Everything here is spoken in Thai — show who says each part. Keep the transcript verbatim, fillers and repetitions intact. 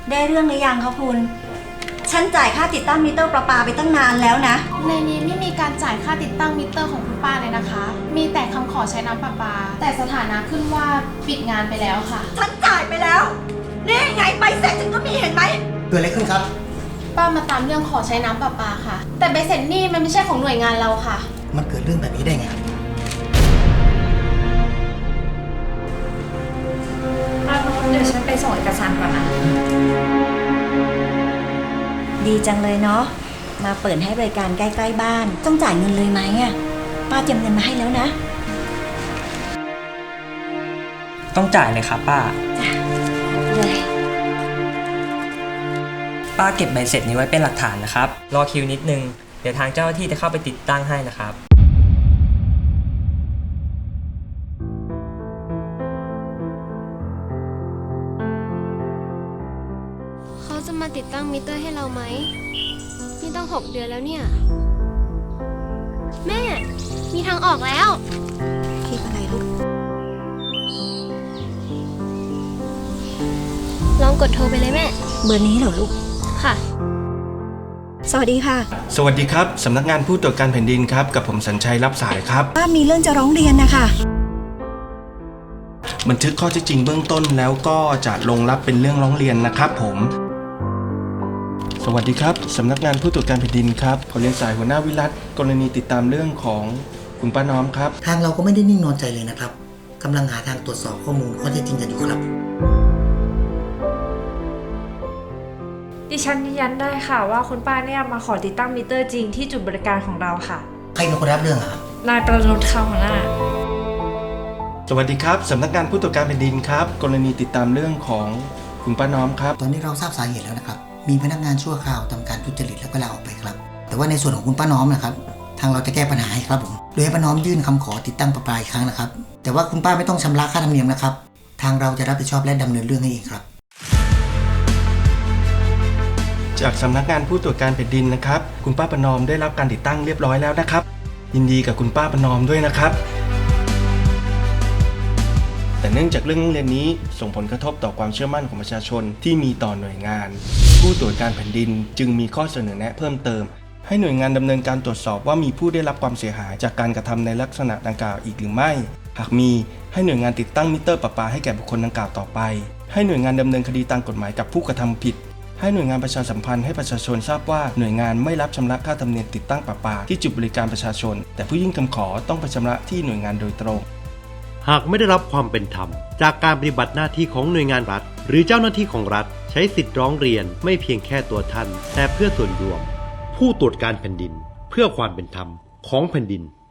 Speaker 1: ได้เรื่องหรือยังคะคุณฉันจ่ายค่าติดตั้งมิเตอร์ประปาไปตั้งนานแล้วนะ
Speaker 2: ในนี้ไม่มีการจ่ายค่าติดตั้งมิเตอร์ของคุณป้าเลยนะคะ มีแต่คำขอใช้น้ำประปาแต่สถานะขึ้นว่าปิดงานไปแล้วค่ะ
Speaker 1: ฉันจ่ายไปแล้วนี่ไงใบเสร็จฉันก็มีเห็นไหม
Speaker 3: เกิดอะไรขึ้นครับ
Speaker 2: ป้ามาตามเรื่องขอใช้น้ำประปาค่ะแต่ใบเสร็จนี่มันไม่ใช่ของหน่วยงานเราค่ะ
Speaker 3: มันเกิดเรื่องแบบนี้ได้ไง
Speaker 4: เดี๋ยวฉันไปส่งเอกสารก่อนนะ
Speaker 1: ดีจังเลยเนาะมาเปิดให้บริการใกล้ๆบ้านต้องจ่ายเงินเลยไหมอ่ะป้าเตรียมเงินมาให้แล้วนะ
Speaker 5: ต้องจ่ายเลยครับป้า
Speaker 1: จ้ะเลย
Speaker 5: ป้าเก็บใบเสร็จนี้ไว้เป็นหลักฐานนะครับรอคิวนิดนึงเดี๋ยวทางเจ้าหน้าที่จะเข้าไปติดตั้งให้นะครับ
Speaker 6: เขาจะมาติดตั้งมิเตอร์ให้เราไหมนี่ต้องหกเดือนแล้วเนี่ยแม่มีทางออกแล้ว
Speaker 1: คิดอะไรลูก
Speaker 6: ลองกดโทรไปเลยแม่
Speaker 1: เบอร์นี้เหรอลูก
Speaker 6: ค่ะ
Speaker 1: สวัสดีค่ะ
Speaker 7: สวัสดีครับสำนักงานผู้ตรวจการแผ่นดินครับกับผมสัญชัยรับสายครับ
Speaker 1: ป้ามีเรื่องจะร้องเรียนนะคะ
Speaker 7: บันทึกข้อเท็จจริงเบื้องต้นแล้วก็จะลงรับเป็นเรื่องร้องเรียนนะครับผมสวัสดีครับสำนักงานผู้ตรวจการแผ่นดินครับขอเรียนสายหัวหน้าวิรัตกรณีติดตามเรื่องของคุณป้าน้อมครับ
Speaker 3: ทางเราก็ไม่ได้นิ่งนอนใจเลยนะครับกำลังหาทางตรวจสอบข้อมูลข้อเท็จจริงกันอยู่ครับ
Speaker 4: ดิฉันยืนยันได้ค่ะว่าคุณป้าเนี่ยมาขอติดตั้งมิเตอร์จริงที่จุดบริการของเราค่ะ
Speaker 3: ใครเป็นคนรับเรื่องครับ
Speaker 4: นายประนุชค่ะหัวหน้า
Speaker 7: สวัสดีครับสำนักงานผู้ตรวจการแผ่นดินครับกรณีติดตามเรื่องของคุณป้าน้อมครับ
Speaker 3: ตอนนี้เราทราบสาเหตุแล้วนะครับมีพนักงานชั่วคราวทำการทุจริตแล้วก็ลาออกไปครับแต่ว่าในส่วนของคุณป้าน้อมนะครับทางเราจะแก้ปัญหาให้ครับผมโดยให้ป้าน้อมยื่นคำขอติดตั้งประปาอีกครั้งนะครับแต่ว่าคุณป้าไม่ต้องชำระค่าธรรมเนียมนะครับทางเราจะรับผิดชอบและดำเนินเรื่องให้เองครับ
Speaker 7: จากสำนักงานผู้ตรวจการแผ่นดินนะครับคุณป้าประนอมได้รับการติดตั้งเรียบร้อยแล้วนะครับยินดีกับคุณป้าประนอมด้วยนะครับแต่เนื่องจากเรื่องเรียนนี้ส่งผลกระทบต่อความเชื่อมั่นของประชาชนที่มีต่อหน่วยงานผู้ตรวจการแผ่นดินจึงมีข้อเสนอแนะเพิ่มเติมให้หน่วยงานดำเนินการตรวจสอบว่ามีผู้ได้รับความเสียหายจากการกระทำในลักษณะดังกล่าวอีกหรือไม่หากมีให้หน่วยงานติดตั้งมิเตอร์ประปาให้แก่บุคคลดังกล่าวต่อไปให้หน่วยงานดำเนินคดีตามกฎหมายกับผู้กระทำผิดให้หน่วยงานประชาสัมพันธ์ให้ประชาชนทราบว่าหน่วยงานไม่รับชำระค่าธรรมเนียมติดตั้งประปาที่จุดบริการประชาชนแต่ผู้ยื่นคำขอต้องไปชำระที่หน่วยงานโดยตรง
Speaker 8: หากไม่ได้รับความเป็นธรรมจากการปฏิบัติหน้าที่ของหน่วยงานรัฐหรือเจ้าหน้าที่ของรัฐใช้สิทธิ์ร้องเรียนไม่เพียงแค่ตัวท่านแต่เพื่อส่วนรวมผู้ตรวจการแผ่นดินเพื่อความเป็นธรรมของแผ่นดิน